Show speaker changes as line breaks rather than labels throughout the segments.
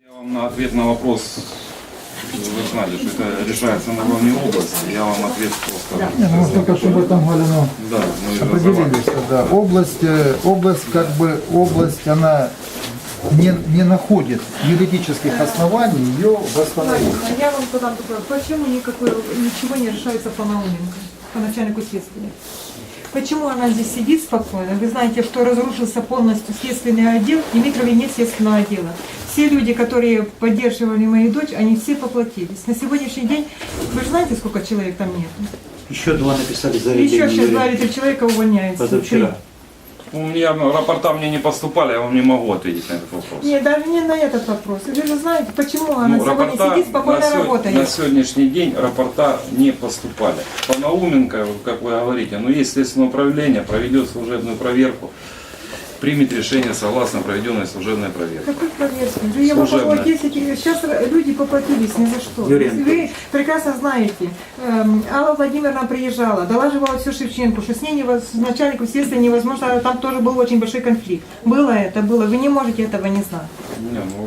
Я вам на ответ на вопрос, вы знали, что это решается на уровне области, я вам ответ просто...
Ну, только чтобы там, Галина,
Да, мы же
определились, да. Область, она не находит юридических оснований ее восстановить.
Я вам задам такой, почему ничего не решается по Науменко, по начальнику следствия? Почему она здесь сидит спокойно? Вы знаете, что разрушился полностью следственный отдел, в Дмитрове нет следственного отдела. Все люди, которые поддерживали мою дочь, они все поплатились. На сегодняшний день, вы же знаете, сколько человек там нет?
Еще два написали заявление.
Еще сейчас 2 или 3 человека увольняются.
Позавчера.
У меня рапорта мне не поступали, я вам не могу ответить на этот вопрос.
Нет, даже не на этот вопрос. Вы же знаете, почему она сегодня сидит, спокойно работает.
На сегодняшний день рапорта не поступали. По Науменко, как вы говорите, но есть следственное управление, проведет служебную проверку, примет решение согласно проведенной служебной проверке.
Какой проверки? Я попала 10, сейчас люди поплатились ни за что.
Юрий
Вы прекрасно знаете, Алла Владимировна приезжала, долаживала все Шевченко, что с ней с начальником следствия невозможно, там тоже был очень большой конфликт. Было, вы не можете этого не знать.
Не, ну,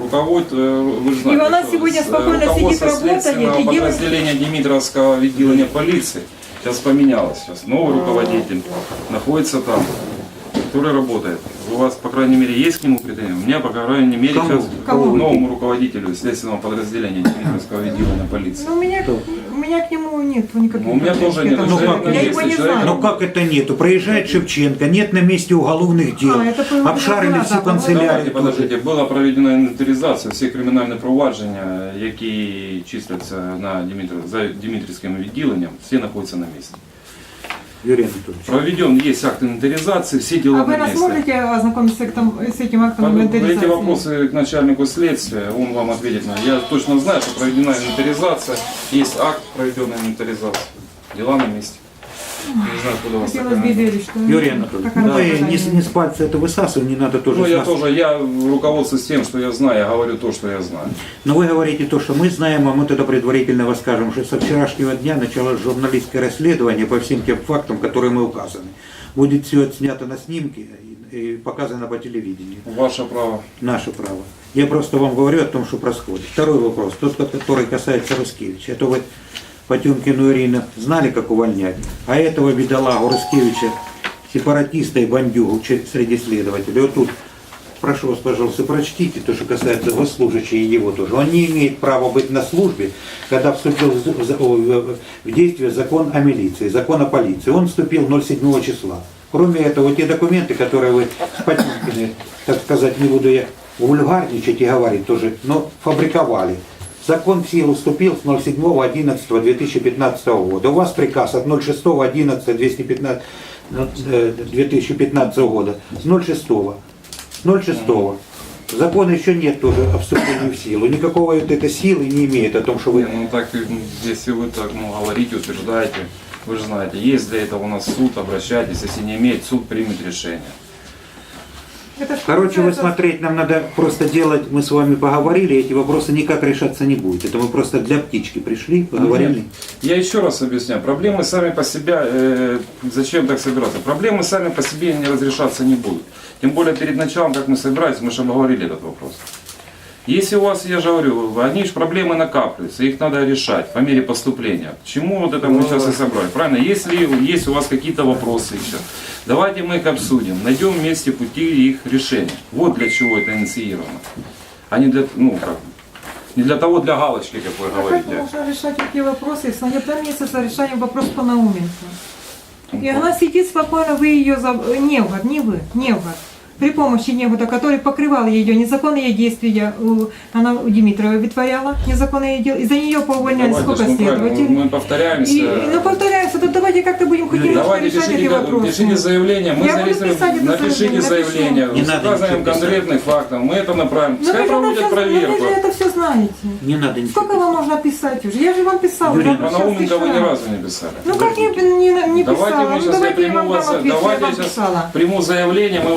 вы же знаете,
И она
что
сегодня спокойно сидит, работает
следственного
и делает...
подразделения Димитровского отделения полиции сейчас поменялось. Сейчас новый руководитель находится там, который работает. У вас, по крайней мере, есть к нему претензии? У меня, по крайней мере, сейчас к новому руководителю следственного подразделения Дмитровского отделения полиции.
Ну, у меня к нему нет никаких.
У меня тоже нет.
Я его не знаю.
Ну как это нету? Проезжает Шевченко, нет на месте уголовных дел,
Это было
обшарили всю
Давайте,
канцелярию.
подождите, була проведена інвентаризація всіх кримінальних провадження, які числяться на за Дмитрівським відділенням, всі знаходяться на місці.
Юрий Анатольевич.
Проведен есть акт инвентаризации, все дела
А вы
на
нас
месте.
можете ознакомиться с этим актом
Эти
инвентаризации?
вопросы к начальнику следствия, он вам ответит. Я точно знаю, что проведена инвентаризация, есть акт проведенной инвентаризации, дела на месте. Не знаю, откуда у вас
Хотелось бы
такая...
верить, что...
Юрий Анатольевич,
Какая
ну и
наказание?
не с пальца это высасывать, не надо тоже
Ну,
с
я
нас.
тоже, я руководствуюсь тем, что я знаю, я говорю то, что я знаю.
Но вы говорите то, что мы знаем, а мы тогда предварительно вас скажем, что со вчерашнего дня началось журналистское расследование по всем тем фактам, которые мы указаны. Будет все отснято на снимке и показано по телевидению.
Ваше право.
Наше право. Я просто вам говорю о том, что происходит. Второй вопрос, тот, который касается Рускевича. Это вы Потемкину Ирину знали, как увольнять, а этого бедолагу Рускевича, сепаратиста и бандюгу среди следователей. Вот тут, прошу вас, пожалуйста, прочтите то, что касается госслужащего и его тоже. Он не имеет права быть на службе, когда вступил в действие закон о милиции, закон о полиции. Он вступил 07 числа. Кроме этого, те документы, которые вы с Потемкиным, так сказать, не буду я вульгарничать и говорить тоже, но фабриковали. Закон в силу вступил с 07.11.2015 года. У вас приказ от 06.11.2015 года. С 06. Закона еще нет тоже о вступлении в силу. Никакого этой силы не имеет о том, что вы...
Не, ну так, если вы так говорите, утверждаете, вы же знаете, есть для этого у нас суд, обращайтесь, если не имеет, суд примет решение.
Короче, вы смотреть нам надо просто делать, мы с вами поговорили, эти вопросы никак решаться не будет. Это мы просто для птички пришли, поговорили.
Нет. Я еще раз объясняю, проблемы сами по себе, зачем так собираться, проблемы сами по себе не разрешаться не будут. Тем более перед началом, как мы собирались, мы же обговорили этот вопрос. Если у вас, я же говорю, они же проблемы накапливаются, их надо решать по мере поступления. К чему вот это мы сейчас и собрали, правильно? Если есть у вас какие-то вопросы еще, давайте мы их обсудим, найдем вместе пути их решения. Вот для чего это инициировано. А не для, не для того, для галочки, как вы
А как
говорите.
можно решать такие вопросы, если ноября месяца решаем вопрос по Науменко? И она сидит спокойно, вы ее... Невгород, не вы, Невгород. При помощи Невгорода, который покрывал ее незаконные действия, она у Димитрова вытворяла незаконные действия, и за нее поувольняли сколько следователей.
Мы повторяемся.
Ну повторяемся, то давайте как-то будем хоть немножко
Давайте
решать эти вопросы.
пишите заявление, мы
Я буду писать это
напишите заявление,
Не
с
надо
указанием
ничего писать.
конкретных фактов, мы это направим.
Ну
Пускай
вы
проводят
же
проверку.
это все знаете.
Не надо ничего.
Сколько вам можно писать уже? Я же вам писала.
Юрий,
я
Про
сейчас
Науменко вы ни
писала.
разу не писали.
Ну как не
Давайте
писала?
мы
Ну
сейчас,
давайте я вам дам ответ, что я
давайте
вам
я сейчас
писала.
приму заявление, мы его зарегистрируем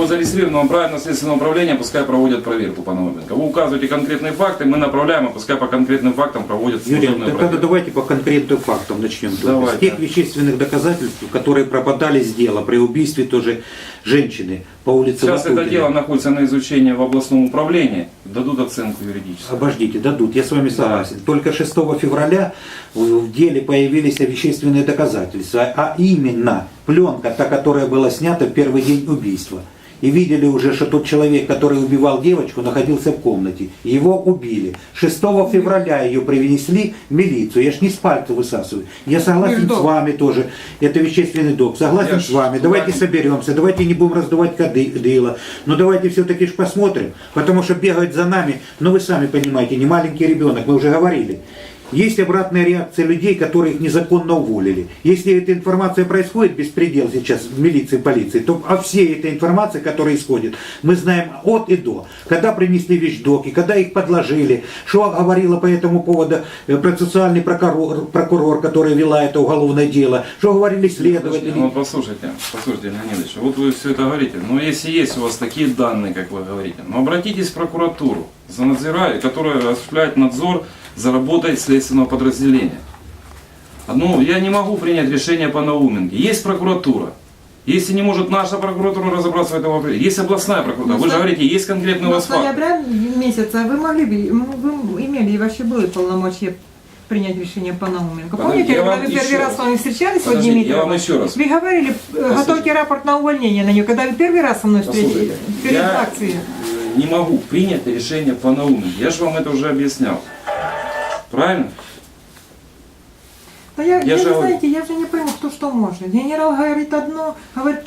оперативного правильного следственного управления, пускай проводят проверку по Науменко. Вы указываете конкретные факты, мы направляем, и пускай по конкретным фактам проводят
Юрий,
служебную
тогда
проверку.
давайте по конкретным фактам начнем.
Давайте.
С тех вещественных доказательств, которые пропадали с дела при убийстве тоже женщины по улице
Сейчас это
Лопутина.
дело находится на изучении в областном управлении, дадут оценку юридическую.
Обождите, дадут, я с вами согласен. Только 6 февраля в деле появились вещественные доказательства, а именно пленка, та, которая была снята в первый день убийства. И видели уже, что тот человек, который убивал девочку, находился в комнате. Его убили. 6 февраля ее привезли в милицию. Я ж не с пальца высасываю. Я согласен с вами тоже. Это вещественный док. Согласен
Я
с вами.
ж
Давайте
с вами.
соберемся. Давайте не будем раздувать дыло. Но давайте все-таки ж посмотрим. Потому что бегают за нами. Ну вы сами понимаете, не маленький ребенок. Мы уже говорили. Есть обратная реакция людей, которые их незаконно уволили. Если эта информация происходит, беспредел сейчас в милиции, полиции, то о всей этой информации, которая исходит, мы знаем от и до. Когда принесли вещдоки, когда их подложили, что говорила по этому поводу процессуальный прокурор, который вела это уголовное дело, что говорили следователи.
Ну, послушайте, Леонид Ильич, вот вы все это говорите, но если есть у вас такие данные, как вы говорите, ну обратитесь в прокуратуру, за надзиратель, которая осуществляет надзор за работой следственного подразделения. Ну, я не могу принять решение по Науменке. Есть прокуратура. Если не может наша прокуратура разобраться в этом вопросе, есть областная прокуратура. Вы же говорите, есть конкретный у
Но
вас
с
факт.
ноября месяца вы могли бы, вы имели и вообще были полномочия принять решение по Науменко.
Подождите,
Помните,
я
когда
вам
вы
еще
первый раз
раз.
с вами встречались,
Подождите,
Владимир
я вам
Дмитриевич,
еще раз.
вы говорили, готовьте рапорт на увольнение на нее, когда вы первый раз со мной встретились,
Послушайте,
перед
я
акцией.
не могу принять решение по Науменке. Я же вам это уже объяснял. Правильно?
Да я
Я
не
же-
знаете, я же не пойму, кто что может. Генерал говорит одно, говорит,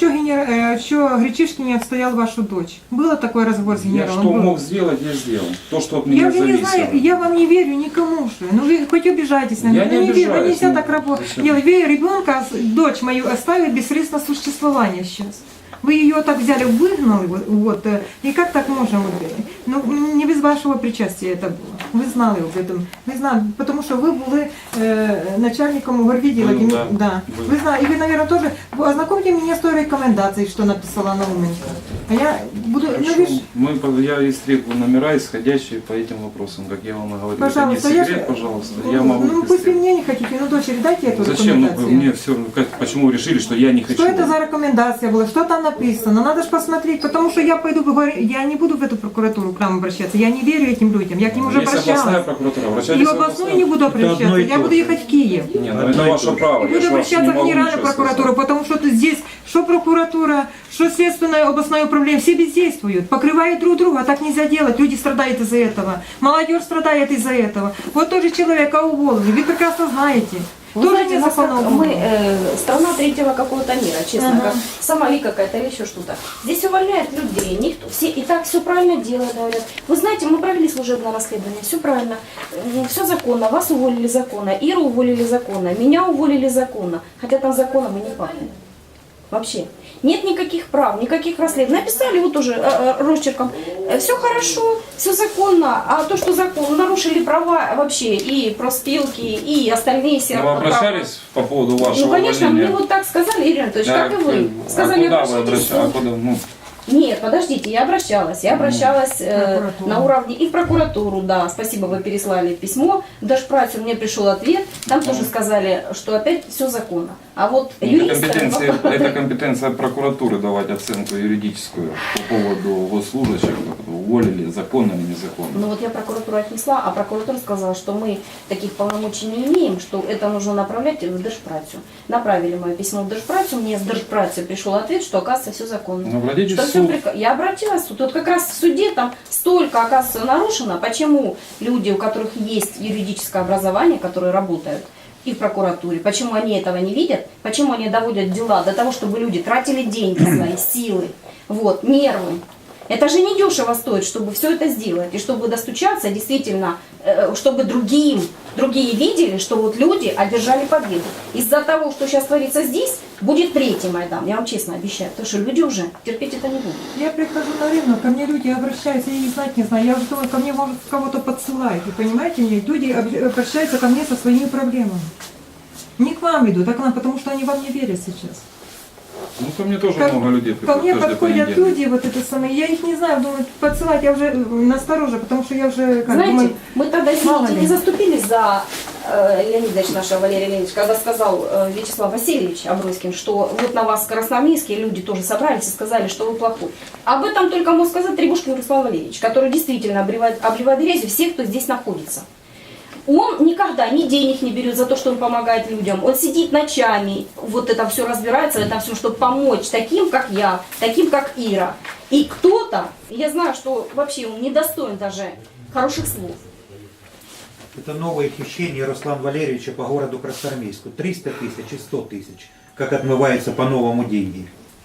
что Гречишкин не отстоял вашу дочь. Было такой разговор с
Я
генералом?
что
Был.
мог сделать, я сделал. То, что от
Я
меня
уже не
зависело.
знаю, я вам не верю никому же. Ну вы хоть обижайтесь на
Я
меня.
не
Ну, верю,
обижаюсь,
нельзя
ну,
так работать.
зачем?
Вы ребенка, дочь мою оставили без средств на существование сейчас. Вы ее так взяли, выгнали, вот, и как так можно? Вот, ну, не без вашего причастия это было. Вы знали об этом. Ви знали, потому что вы были начальником горвидела.
Был, да.
Да.
Был.
Вы знали, и вы, наверное, тоже. Ознакомьте меня с той рекомендацией, что написала Науменко. А я буду. Ну, вы ж-
Я истребую номера, исходящие по этим вопросам, как я вам и говорил.
Пожалуйста,
это не
я
секрет,
же-
пожалуйста. Я могу
Ну,
их
пусть вы
истребовать.
мне не хотите, но дочери дайте эту
Зачем? Ну,
рекомендацию.
мне все, почему вы решили, что я не хочу?
Что это за рекомендация была? Что там написано? Надо же посмотреть, потому что я пойду, я не буду в эту прокуратуру к нам обращаться. Я не верю этим людям. Я к ним уже
Есть областная
обращалась.
прокуратура.
И
Обращайтесь
в областную не буду
одно
обращаться.
и
Я
то
буду
же.
ехать в Киев.
Не, ну это ваше право.
И
я
буду
ж вас не
обращаться в
могу
Генеральную
ничего
прокуратуру,
сказать.
потому что тут здесь, что прокуратура, что следственное областное управление, все бездействуют, покрывают друг друга, а так нельзя делать, люди страдают из-за этого, молодежь страдает из-за этого. Вот тоже человека уволили, вы прекрасно знаете.
Вы
Тоже
знаете, нас
незаконно
как мы
уволили.
страна третьего какого-то мира, честно,
Ага.
как Сомали какая-то или еще что-то. Здесь увольняют людей, никто, все и так все правильно делают, говорят. Вы знаете, мы провели служебное расследование, все правильно, все законно, вас уволили законно, Иру уволили законно, меня уволили законно, хотя там законом и не пахнет. Вообще. Нет никаких прав, никаких расследований. Написали вот тоже росчерком, все хорошо, все законно, а то, что закон, нарушили права вообще и профспилки, и остальные все
Ну, вы
права.
обращались по поводу вашего
Ну, конечно,
увольнения?
мне вот так сказали, Ирина Анатольевич, как и вы.
А
Сказали,
куда вы
обращайтесь.
обращались? А куда? Ну,
Нет, подождите, я обращалась
Прокуратуру.
на уровне и в прокуратуру, да, спасибо, вы переслали письмо, в Держпрацу мне пришел ответ, там тоже сказали, что опять все законно. А вот юристы...
это компетенция прокуратуры давать оценку юридическую по поводу госслужащих, уволили законно или незаконно.
Ну вот я прокуратуру отнесла, а прокуратура сказала, что мы таких полномочий не имеем, что это нужно направлять в Держпрацу. Направили мое письмо в Держпрацу, мне с Держпрацу пришел ответ, что оказывается все законно.
Ну, обратитесь
Что
в
всё
суд.
Я обратилась в суд. Вот как раз в суде там столько, оказывается, нарушено. Почему люди, у которых есть юридическое образование, которые работают и в прокуратуре, почему они этого не видят, почему они доводят дела до того, чтобы люди тратили деньги свои, силы, вот, нервы. Это же не дешево стоит, чтобы все это сделать. И чтобы достучаться, действительно, чтобы другие видели, что вот люди одержали победу. Из-за того, что сейчас творится здесь, будет третий Майдан, я вам честно обещаю. Потому что люди уже терпеть это не будут.
Я прихожу на рынок, ко мне люди обращаются, я их знать не знаю. Я уже думаю, ко мне, может, кого-то подсылают. Вы понимаете, люди обращаются ко мне со своими проблемами. Не к вам идут, а к нам, потому что они вам не верят сейчас.
Ну, ко мне тоже
Ко-
много людей
Ко
приходят
мне
каждый
подходят
понедельник.
люди, вот это самое, я их не знаю, думаю, подсылать, я уже настороже, потому что я уже, как
Знаете,
думаю,
мы тогда,
мало
извините,
ли.
не заступились за Леонидович нашего, Валерий Леонидович, когда сказал Вячеслав Васильевич Аброськин, что вот на вас красноармейские люди тоже собрались и сказали, что вы плохой. Об этом только мог сказать Требушкин Руслан Валерьевич, который действительно обливает грязью всех, кто здесь находится. Он никогда ни денег не берет за то, что он помогает людям. Он сидит ночами, вот это все разбирается, это все, чтобы помочь таким, как я, таким, как Ира. И кто-то, я знаю, что вообще он недостоин даже хороших слов.
Это новое хищение Руслана Валерьевича по городу Красноармейску. 300 тысяч и 100 тысяч. Как отмываются по-новому деньги.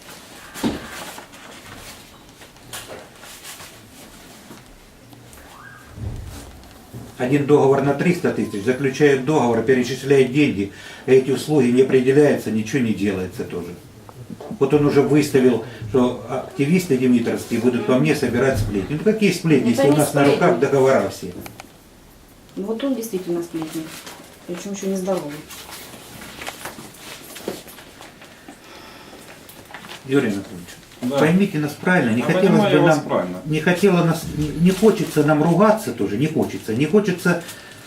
Один договор на 300 тысяч, заключают договор, перечисляют деньги, а эти услуги не определяются, ничего не делается тоже. Вот он уже выставил, что активисты димитровские будут по мне собирать сплетни. Ну какие сплетни,
Это
если у
не
нас на
сплетни.
руках договора все?
Вот он действительно сплетник, причем еще нездоровый.
Юрий Анатольевич,
Да.
поймите нас правильно, не
Я
хотелось
понимаю
бы
вас
нам,
правильно.
не хочется нам ругаться тоже, не хочется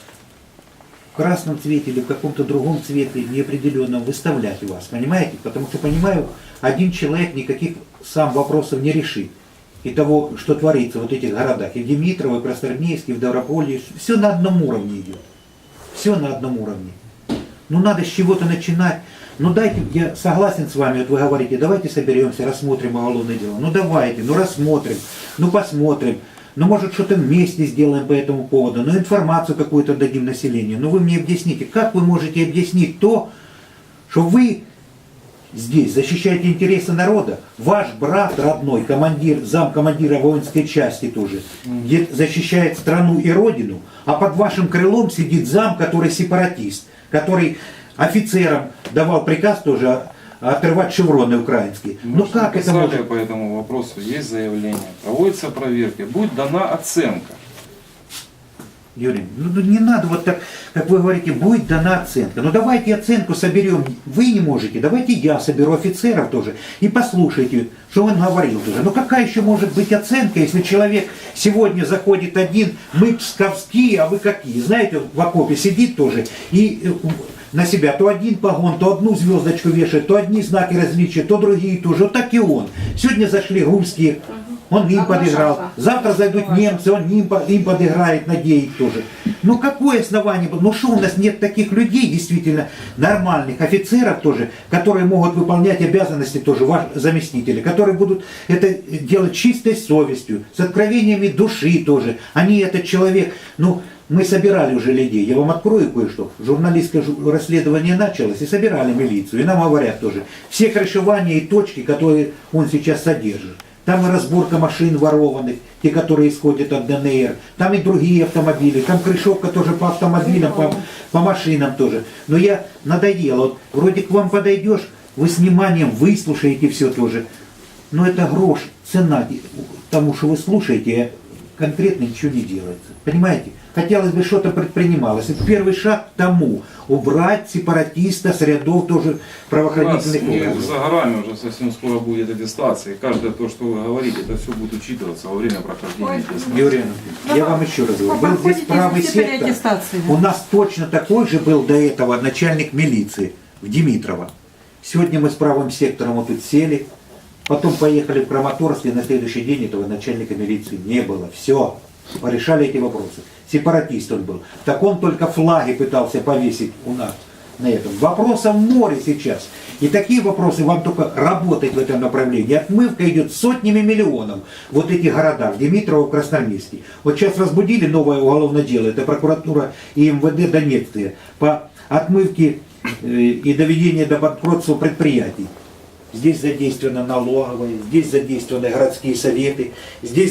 в красном цвете или в каком-то другом цвете неопределенном выставлять вас, понимаете? Потому что, понимаю, один человек никаких сам вопросов не решит. И того, что творится в вот этих городах, и в Димитрово, и в Красноармейске, и в Даврополье, все на одном уровне идет. Все на одном уровне. Ну надо с чего-то начинать. Ну дайте, я согласен с вами, вот вы говорите, давайте соберемся, рассмотрим уголовное дело. Ну давайте, ну рассмотрим, ну посмотрим. Ну может что-то вместе сделаем по этому поводу, ну информацию какую-то дадим населению. Ну вы мне объясните, как вы можете объяснить то, что вы здесь защищаете интересы народа, ваш брат родной, командир, замкомандира воинской части тоже, где защищает страну и родину, а под вашим крылом сидит зам, который сепаратист, который офицерам давал приказ тоже отрывать шевроны украинские.
Мы
Ну
же
как это
написали
может?
по этому вопросу, есть заявление, проводится проверка, будет дана оценка.
Юрий, ну не надо вот так, как вы говорите, будет дана оценка. Ну давайте оценку соберем. Вы не можете, давайте я соберу офицеров тоже и послушайте, что он говорил тоже. Ну какая еще может быть оценка, если человек сегодня заходит один, мы псковские, а вы какие? Знаете, в окопе сидит тоже и на себя то один погон, то одну звездочку вешает, то одни знаки различия, то другие тоже. Вот так и он. Сегодня зашли русские, он им подыграл. Завтра зайдут немцы, он им подыграет, надеет тоже. Ну какое основание? Ну что у нас нет таких людей, действительно нормальных офицеров тоже, которые могут выполнять обязанности тоже, ваши заместители, которые будут это делать чистой совестью, с откровениями души тоже. Они этот человек, ну, мы собирали уже людей, я вам открою кое-что. Журналистское расследование началось, и собирали милицию. И нам говорят тоже, все крышевания и точки, которые он сейчас содержит. Там и разборка машин ворованных, те, которые исходят от ДНР. Там и другие автомобили. Там крышовка тоже по автомобилям, по машинам тоже. Но я надоело. Вот вроде к вам подойдешь, вы с вниманием выслушаете все тоже. Но это грош, цена тому, что вы слушаете, конкретно ничего не делается. Понимаете? Хотелось бы что-то предпринималось. Это первый шаг к тому. Убрать сепаратиста с рядов тоже правоохранительных
Не
органов.
за горами уже совсем скоро будет аттестация. И каждое то, что вы говорите, это все будет учитываться во время прохождения
Ой.
теста.
Юрий Анатольевич, я вам еще раз говорю, был здесь правый сектор.
аттестации.
У нас точно такой же был до этого начальник милиции в Димитрово. Сегодня мы с правым сектором вот тут сели, потом поехали в Краматорск, и на следующий день этого начальника милиции не было. Все, порешали эти вопросы. Сепаратист он был. Так он только флаги пытался повесить у нас на этом. Вопросов море сейчас. И такие вопросы вам только работать в этом направлении. Отмывка идет сотнями миллионов вот этих городах, Димитрово, Красноармейский. Вот сейчас разбудили новое уголовное дело, это прокуратура и МВД Донецкая, по отмывке и доведению до банкротства предприятий. Здесь задействованы налоговые, здесь задействованы городские советы, здесь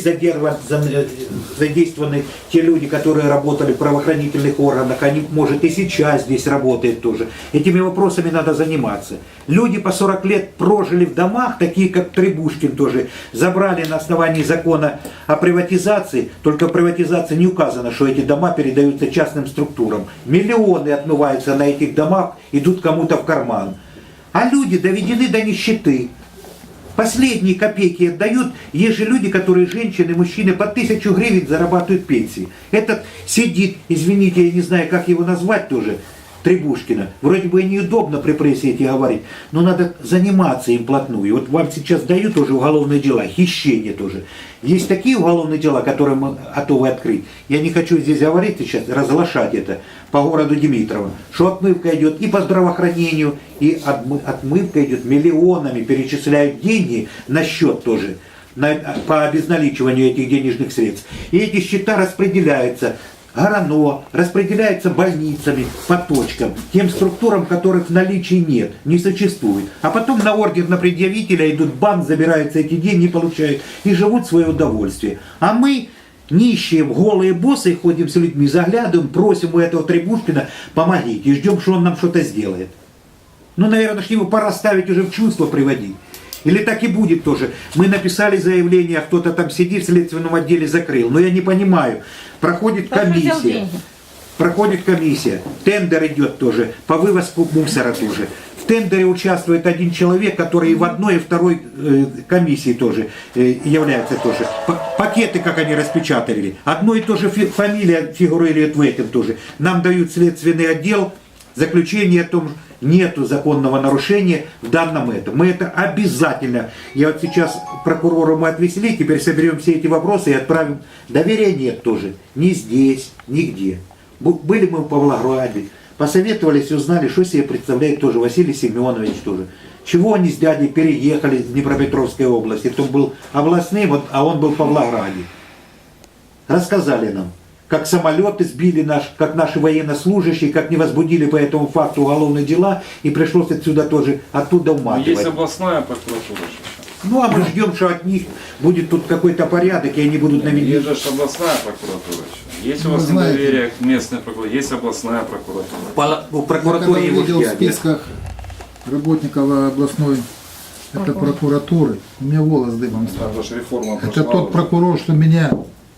задействованы те люди, которые работали в правоохранительных органах, они, может, и сейчас здесь работают тоже. Этими вопросами надо заниматься. Люди по 40 лет прожили в домах, такие как Требушкин тоже, забрали на основании закона о приватизации, только в приватизации не указано, что эти дома передаются частным структурам. Миллионы отмываются на этих домах, идут кому-то в карман. А люди доведены до нищеты. Последние копейки отдают. Есть же люди, которые, женщины, мужчины, по 1000 гривен зарабатывают пенсии. Этот сидит, извините, я не знаю, как его назвать тоже, Требушкина. Вроде бы и неудобно при прессе эти говорить, но надо заниматься им плотную. Вот вам сейчас дают уже уголовные дела, хищение тоже. Есть такие уголовные дела, которые мы готовы открыть. Я не хочу здесь говорить сейчас, разглашать это по городу Димитрово, что отмывка идет и по здравоохранению, и отмывка идет миллионами, перечисляют деньги на счет тоже, по обезналичиванию этих денежных средств. И эти счета распределяются ГРАНО, распределяется больницами по точкам, тем структурам, которых в наличии нет, не существует. А потом на ордер на предъявителя идут в банк, забираются эти деньги, получают и живут в свое удовольствие. А мы, нищие, голые боссы, ходим с людьми, заглядываем, просим у этого Требушкина помогите и ждем, что он нам что-то сделает. Ну, наверное, его пора ставить уже в чувство приводить. Или так и будет тоже. Мы написали заявление, а кто-то там сидит в следственном отделе, закрыл. Но я не понимаю. Проходит комиссия. Тендер идет тоже. По вывозку мусора тоже. В тендере участвует один человек, который и в одной, и второй комиссии тоже является тоже. Пакеты, как они распечатали. Одно и то же фамилия фигурирует в этом тоже. Нам дают следственный отдел заключение о том, нету законного нарушения в данном этом. Мы это обязательно. Я вот сейчас прокурора мы отвезли, теперь соберем все эти вопросы и отправим. Доверия нет тоже. Ни здесь, нигде. Были мы в Павлограде, посоветовались, узнали, что себе представляет тоже Василий Семенович тоже. Чего они с дядей переехали из Днепропетровской области. То был областным, а он был в Павлограде. Рассказали нам, как самолеты сбили как наши военнослужащие, как не возбудили по этому факту уголовные дела, и пришлось отсюда тоже, оттуда уматывать.
Есть областная прокуратура.
Ну, а мы ждем, что от них будет тут какой-то порядок, и они будут наведены.
Есть же областная прокуратура еще. Есть у вас недоверие к местной прокуратуре, есть областная прокуратура.
В прокуратуре
Я
его
когда увидел в
ждят.
списках работников областной прокуратуры, у меня волос дыбом стал.
Это же реформа
Это
прошла
тот
уже.
прокурор, что меня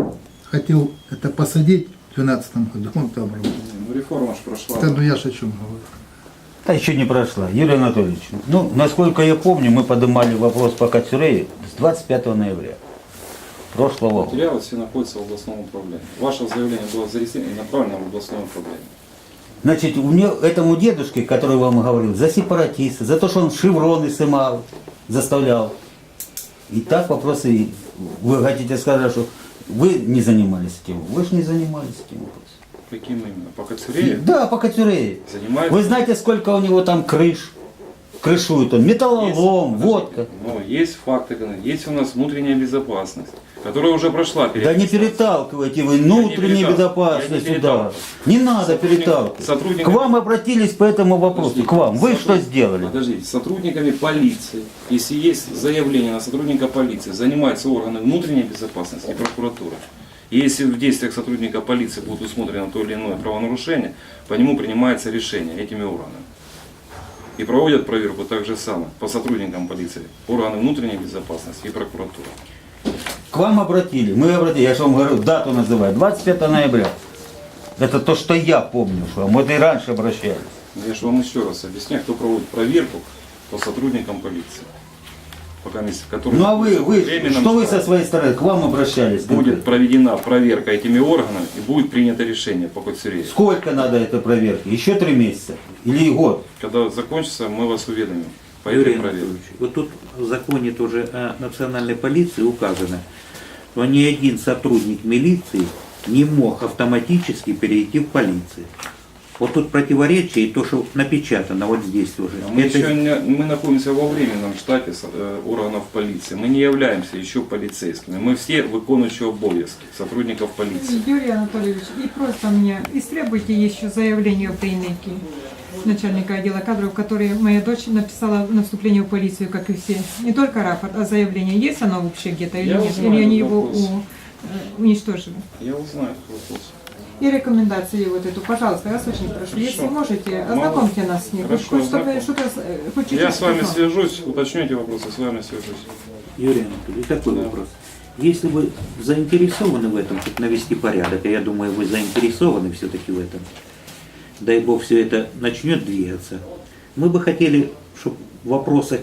хотел это посадить в 2012 году. Он там работал.
Ну, реформа же прошла.
Это, ну я ж о чем говорю.
Да еще не прошла. Юрий Анатольевич, ну, насколько я помню, мы поднимали вопрос по Кацюрею с 25 ноября прошлого года.
Материалы все находятся в областном управлении. Ваше заявление было зарегистрировано и направлено в областное управление.
Значит, у меня этому дедушке, который вам говорил, за сепаратиста, за то, что он шевроны снимал, заставлял. И так вопросы, вы хотите сказать, что вы не занимались этим? Вы же не занимались этим вопросом.
Каким именно? По Кацюрею?
Да, по Кацюрею.
Занимается?
Вы знаете, сколько у него там крыш? Крышует он, металлолом,
Есть,
водка.
Ну, есть факты, есть у нас внутренняя безопасность, которая уже прошла.
Да не переталкивайте вы внутреннюю безопасность сюда. Не надо переталкивать.
сотрудник-
К вам обратились по этому вопросу.
Подождите,
К вам. Вы что
сотрудник-
сделали?
Подождите, сотрудниками полиции, если есть заявление на сотрудника полиции, занимаются органы внутренней безопасности и прокуратура. И если в действиях сотрудника полиции будет усмотрено то или иное правонарушение, по нему принимается решение этими органами. И проводят проверку так же само по сотрудникам полиции, органы внутренней безопасности и прокуратура.
К вам обратили. Мы обратились. Я же вам говорю, дату называю. 25 ноября. Это то, что я помню, что мы и раньше обращались.
Я же вам еще раз объясняю, кто проводит проверку по сотрудникам полиции. Пока которые
Ну а вы
временном
что вы
штате.
со своей стороны? К вам обращались?
Будет проведена проверка этими органами и будет принято решение по Кацюрею.
Сколько надо этой проверки? Еще 3 месяца? Или год?
Когда закончится, мы вас уведомим по
Юрий
этой проверке.
Анатольевич, вот тут в законе тоже о национальной полиции указано, что ни один сотрудник милиции не мог автоматически перейти в полицию. Вот тут противоречие и то, что напечатано вот здесь уже.
Мы,
Это-
мы находимся во временном штате органов полиции. Мы не являемся еще полицейскими. Мы все выполняющие обовязки сотрудников полиции.
Юрий Анатольевич, и просто мне истребуйте еще заявление в Дейнеке, начальника отдела кадров, который моя дочь написала на вступление в полицию, как и все. Не только рапорт, а заявление. Есть оно вообще где-то или
Я
нет?
узнаю
Или они
этот
его
вопрос.
уничтожили?
Я узнаю этот вопрос.
И рекомендации вот эту, пожалуйста, я вас очень прошу.
Хорошо.
Если можете, ознакомьте нас с ней.
Хорошо,
Хоть чтобы
ознакомлю.
что-то, хоть чуть-чуть
Я с вами
узнал.
свяжусь, уточню эти вопросы, с вами свяжусь.
Юрий Анатольевич, такой
Да.
вопрос. Если вы заинтересованы в этом, как навести порядок, а я думаю, вы заинтересованы все-таки в этом, дай Бог, все это начнет двигаться, мы бы хотели, чтобы в вопросах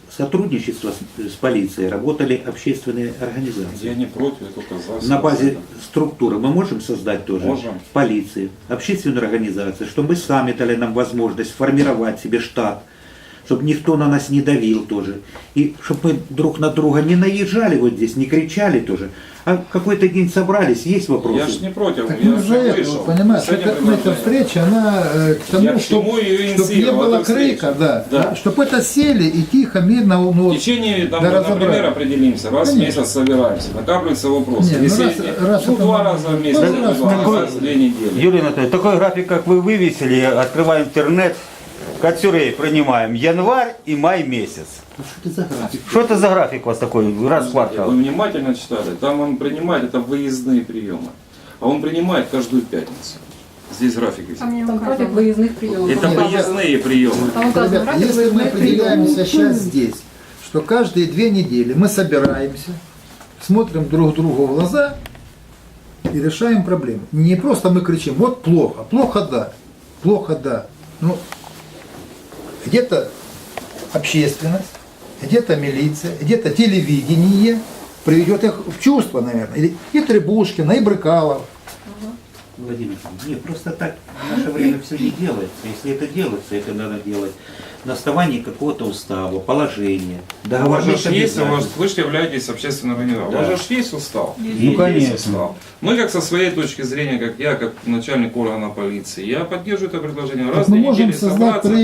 сотрудничества с полицией работали общественные организации.
Я не против, я только за.
На базе структуры мы можем создать тоже
Можем.
полиции, общественную организацию, чтобы мы сами дали нам возможность формировать себе штат, чтобы никто на нас не давил тоже. И чтобы мы друг на друга не наезжали вот здесь, не кричали тоже. А какой-то день собрались, есть вопросы?
Я ж не против,
Так
я
мы
же
за это,
вышел.
понимаешь,
С этим
эта
предложением.
встреча, она к
Я
тому,
к чему ее
чтобы не
инициировал,
было
эту встречу.
крика, да,
Да.
чтобы это сели и тихо, мирно, ну,
В
вот,
течение, там,
да,
например,
разобрали.
определимся, раз в
Конечно.
месяц собираемся, накапливаются вопросы.
Не, ну
Если
раз
ну,
это
два
надо.
раза в месяц,
Ну, раз
два
такой-
раза в 2 недели.
Юрий Анатольевич, такой график, как вы вывесили, открываем интернет, Кацюрей принимаем январь и май месяц.
Ну, что это за график?
Что это за график у вас такой, раз в
Вы
квартал?
внимательно читали, там он принимает, это выездные приемы. А он принимает каждую пятницу. Здесь график висит.
Там не
Там график
указано.
выездных приемов.
Это
Нет,
выездные приемы.
Там указано
Ребят,
график
если мы
выездных
определяемся
приемов.
сейчас здесь, что каждые 2 недели мы собираемся, смотрим друг другу в глаза и решаем проблемы. Не просто мы кричим, вот плохо, плохо да. Ну, где-то общественность, где-то милиция, где-то телевидение приведет их в чувство, наверное. И Требушкина, и Брыкалов.
Владимир Ильич, нет, просто так в наше время все не делается. Если это делается, это надо делать на основании какого-то устава, положения,
У вас
договорных
же есть,
обязательств.
вы же являетесь общественной организацией.
Да.
У вас же есть устав.
Ну, конечно.
Есть устав. Мы, как со своей точки зрения, как я, как начальник органа полиции, я поддерживаю это предложение. Раз
Так
в 2
мы можем
недели
создать
собраться.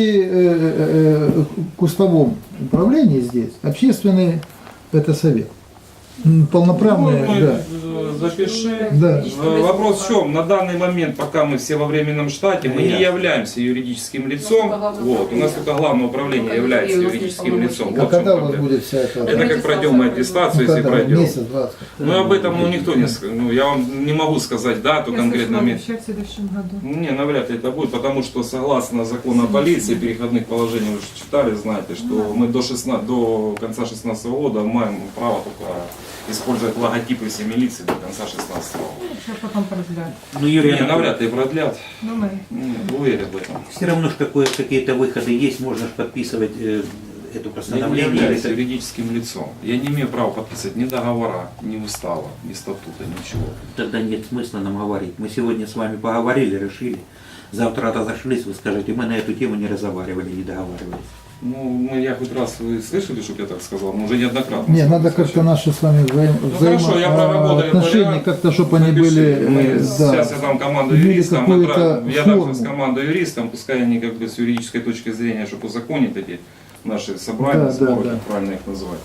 при кустовом управлении здесь общественный это совет. Полноправный,
Ну, мы,
да.
запиши.
Да.
Вопрос в чем? На данный момент, пока мы все во временном штате, мы не
Ясно.
являемся юридическим лицом. Вот, у нас только главное управление является юридическим лицом.
А
Вот в чем
когда у вас
проблема.
будет вся эта...
Это как пройдем мы аттестацию,
Ну,
если
когда?
пройдем.
Месяц, 20.
Ну об этом никто не скажет. Ну, я вам не могу сказать дату
Я
конкретно.
слышала, вообще в следующем году.
Не, навряд ли это будет, потому что согласно закону о полиции, переходных положений, вы же читали, знаете, что мы до конца 2016 года маем право только использовать логотипы всей милиции до конца 2016 года.
Сейчас потом продлят.
Ну, Юрий
Не,
Анатольевич,
навряд ли продлят.
Думаю.
Не, уверен в этом.
все равно ж какие-то выходы есть, можно ж подписывать это
Я не
постановление.
являюсь
или это-
юридическим лицом. Я не имею права подписывать ни договора, ни устава, ни статута, ничего.
Тогда нет смысла нам говорить. Мы сегодня с вами поговорили, решили. Завтра разошлись, вы скажете, мы на эту тему не разговаривали, не договаривались.
Ну, я хоть раз вы слышали, чтобы я так сказал, мы уже неоднократно.
Не, надо как-то наши с вами
хорошо, я проработаю
взаимоотношения,
вариант.
как-то, чтобы они
Напиши.
были,
Мы,
да,
сейчас я дам команду
имели
юристам,
какую-то
я дам
форму.
сейчас команду юристам, пускай они как бы с юридической точки зрения, чтобы узаконить эти наши собрания,
Да, да,
сборы,
да.
как правильно их называть.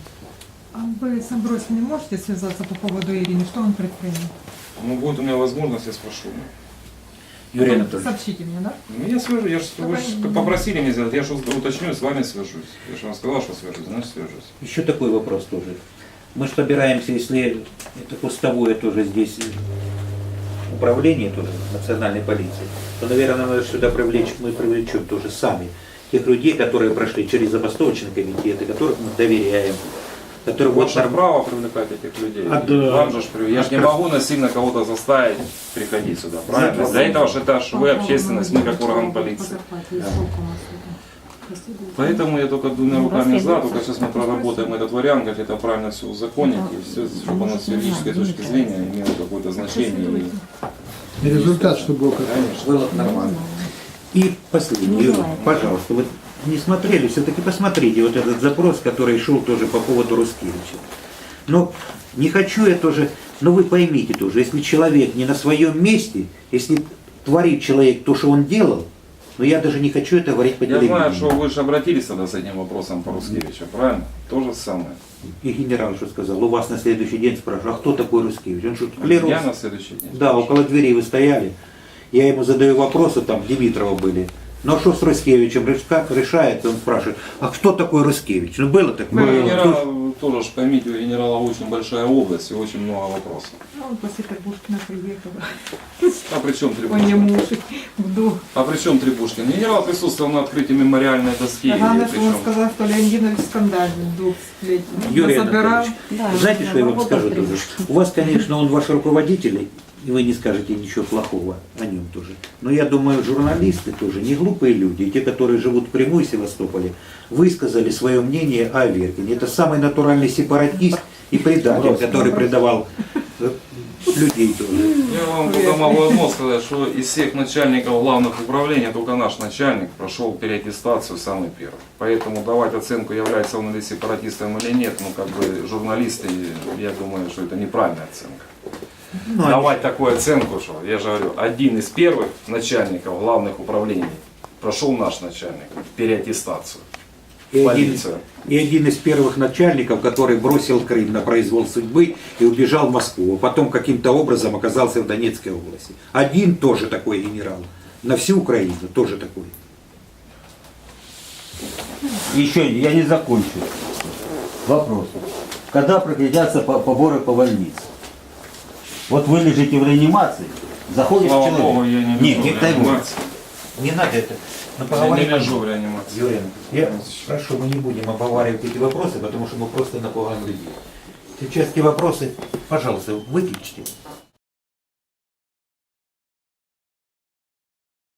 А вы с Амбросиным можете связаться по поводу Ирины? Что он предпринял?
Ну, будет у меня возможность, я спрошу.
Юрий Анатольевич,
Сообщите мне, да?
Ну, я свяжусь, вы же попросили меня сделать, я же уточню, с вами свяжусь. Я же вам сказал, что свяжусь, значит свяжусь.
еще такой вопрос тоже. Мы же собираемся, если это кустовое тоже здесь управление тоже национальной полиции, то, наверное, надо сюда привлечь, мы привлечем тоже сами тех людей, которые прошли через забастовочный комитет, и которых мы доверяем, которые вот
Ваше право привлекать этих людей.
А, да.
Вам же ж я же не могу насильно кого-то заставить приходить сюда, правильно? Для этого же это ж вы общественность, мы как орган полиции. Поэтому я только 2 руками за, только сейчас мы проработаем этот вариант, как это правильно все узаконить, и все, чтобы оно с юридической точки зрения имело какое-то значение.
и результат, чтобы был какой-то.
Конечно.
было нормально. И последний, Юрий, пожалуйста, вот не смотрели, все-таки посмотрите вот этот запрос, который шел тоже по поводу Рускевича. Но не хочу я тоже, но вы поймите тоже, если человек не на своем месте, если творит человек то, что он делал, но я даже не хочу это говорить по
Я
телевидению.
знаю, что вы же обратились тогда с этим вопросом по Рускевичу, правильно? То же самое.
И генерал что сказал, у вас на следующий день спрашивают, а кто такой Рускевич? Он что, клерус?
Я на следующий день.
Да, около дверей вы стояли. Я ему задаю вопросы, там Димитрова были. Ну а что с Рускевичем решается? Он спрашивает, а кто такой Рускевич? Ну было
У
такое.
генерала, тоже ж поймите, у генерала очень большая область и очень много вопросов.
А он после Требушкина приехал.
А при чем
Он
Требушкин?
ему вдох.
А при чем Требушкин? Генерал присутствовал на открытии мемориальной доски.
Главное, что он
Причем.
сказал, что Леонидович скандальный вдох.
Юрий
Собирал.
Анатольевич, знаете, что я вам скажу тоже? У вас, конечно, он ваш руководитель, и вы не скажете ничего плохого о нем тоже. Но я думаю, журналисты тоже не глупые люди, и те, которые живут в Крыму и Севастополе, высказали свое мнение о Аверкине. Это самый натуральный сепаратист и предатель, который предавал людей тоже.
Я вам только могу одно сказать, что из всех начальников главных управлений только наш начальник прошел переаттестацию самый первый. Поэтому давать оценку, является он или сепаратистом или нет, ну как бы журналисты, я думаю, что это неправильная оценка.
Ну,
Давать такую оценку, что, я же говорю, один из первых начальников главных управлений прошел наш начальник переаттестацию.
И
Полицию.
один из первых начальников, который бросил Крым на произвол судьбы и убежал в Москву, а потом каким-то образом оказался в Донецкой области. Один тоже такой генерал. На всю Украину тоже такой.
Еще я не закончил. Вопрос. Когда прекратятся поборы по больнице? Вот вы лежите в реанимации, заходишь
Слава
человек.
Богу, я не
Нет,
лежу
не
в
дай Бог.
реанимации.
Не надо это. Но
Я
поговорим
не
о
лежу
нем.
в реанимации.
Юрий, я прошу, мы не будем обговаривать эти вопросы, потому что мы просто напугаем людей. Сейчас эти вопросы, пожалуйста, выключите.